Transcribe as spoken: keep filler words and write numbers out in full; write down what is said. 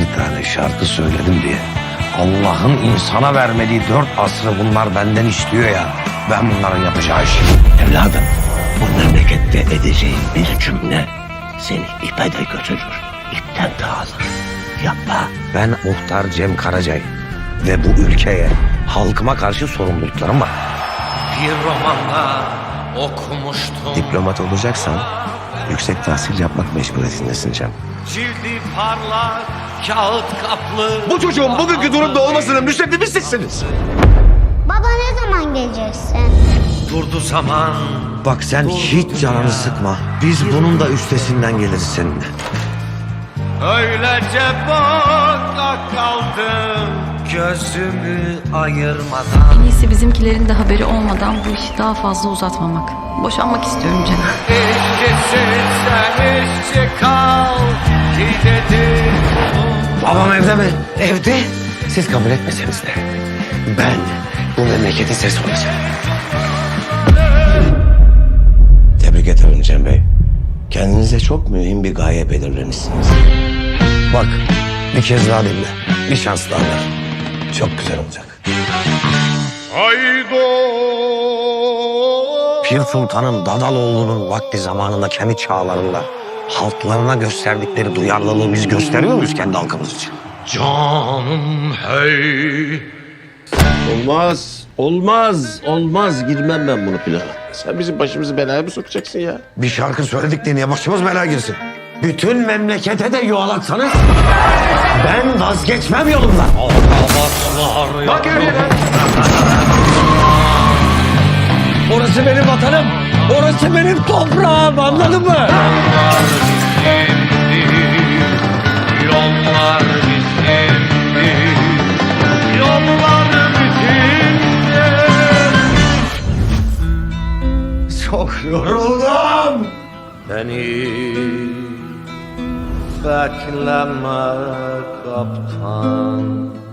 bir tane şarkı söyledim diye Allah'ın insana vermediği dört asrı bunlar benden istiyor ya. Ben bunların yapacağı işi. Evladım, bu memlekette edeceğin bir cümle seni ipe de götürür, ipten de alır. Yapma. Ben muhtar Cem Karacay ve bu ülkeye, halkıma karşı sorumluluklarım var. Bir romanda okumuştum. Diplomat olacaksan yüksek tahsil yapmak mecburiyetindesin Cem. Cildi parlak, kağıt kaplı. Bu çocuğun bugünkü durumda olmasının müsebbibi sizsiniz. Baba ne zaman geleceksin? Durdu zaman. Bak sen hiç canını sıkma. Biz bunun da üstesinden geliriz seninle. Öylece baka kaldım. Gözümü ayırmadan. En iyisi bizimkilerin de haberi olmadan bu işi daha fazla uzatmamak. Boşanmak istiyorum Cem. İşçisin sen işçi kal. Ki dedi. Babam evde mi? Evde. Siz kabul etmeseniz de ben bu memleketin sesi olacağım. Tebrik ederim Cem Bey. Kendinize çok mühim bir gaye belirlemişsiniz. Bak bir kez daha dinle. Bir şans daha ver. Çok güzel olacak. Pir Sultan'ın Dadaloğlu'nun vakti zamanında kendi çağlarında halklarına gösterdikleri duyarlılığı biz gösteriyor muyuz kendi halkımız için? Canım hey. Olmaz, olmaz, olmaz. Girmem ben bunu plana. Sen bizim başımızı belaya mı sokacaksın ya? Bir şarkı söyledik diye niye başımız belaya girsin? Bütün memlekete de yuvalatsanız ben vazgeçmem yolumdan. Bak Orası benim vatanım. Orası benim toprağım, anladın mı? Yollar bizimdi. Yollar bizimdi. Çok yoruldum. Beni bekleme kaptan.